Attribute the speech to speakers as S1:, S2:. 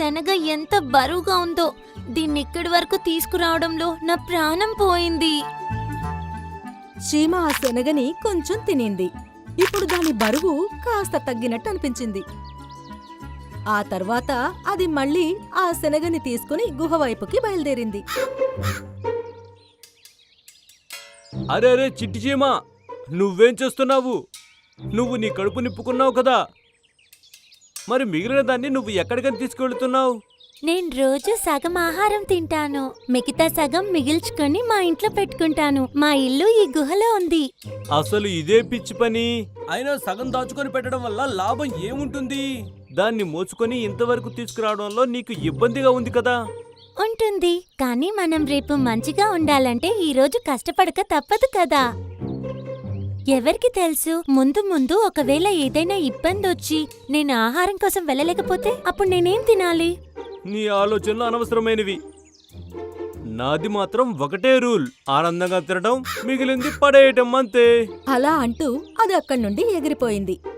S1: శనగ ఎంత బరువుగా ఉందో. దీన్ని ఇక్కడి వరకు తీసుకురావడంలో నా ప్రాణం పోయింది.
S2: చీమ ఆ శనగని కొంచెం తినింది. ఇప్పుడు దాని బరువు కాస్త తగ్గినట్టు అనిపించింది. ఆ తర్వాత అది మళ్ళీ ఆ శనగని తీసుకుని గుహ వైపుకి బయలుదేరింది.
S3: అరే అరే చిట్టి చీమ, నువ్వేం చేస్తున్నావు? నువ్వు నీ కడుపు నింపుకున్నావు కదా, మరి మిగిలిన దాన్ని నువ్వు ఎక్కడికని తీసుకెళ్తున్నావు?
S1: నేను రోజు సగం ఆహారం తింటాను, మిగతా సగం మిగిల్చుకొని మా ఇంట్లో పెట్టుకుంటాను. మా ఇల్లు ఈ గుహలో ఉంది.
S3: అసలు ఇదే పిచ్చి పని. అయినా సగం దాచుకొని పెట్టడం వల్ల లాభం ఏముంటుంది? దాన్ని మోసుకొని ఇంతవరకు తీసుకురావడంలో నీకు ఇబ్బందిగా ఉంది కదా.
S1: ఉంటుంది, కానీ మనం రేపు మంచిగా ఉండాలంటే ఈ రోజు కష్టపడక తప్పదు కదా. ఎవరికి తెలుసు, ముందు ముందు ఒకవేళ ఏదైనా ఇబ్బంది వచ్చి నేను ఆహారం కోసం వెళ్ళలేకపోతే అప్పుడు నేనేం తినాలి?
S3: నీ ఆలోచనలు అనవసరమైనవి. నాది మాత్రం ఒకటే రూల్, ఆనందంగా తినడం, మిగిలింది పడేయటం అంతే.
S2: అలా అంటూ అది అక్కడి నుండి ఎగిరిపోయింది.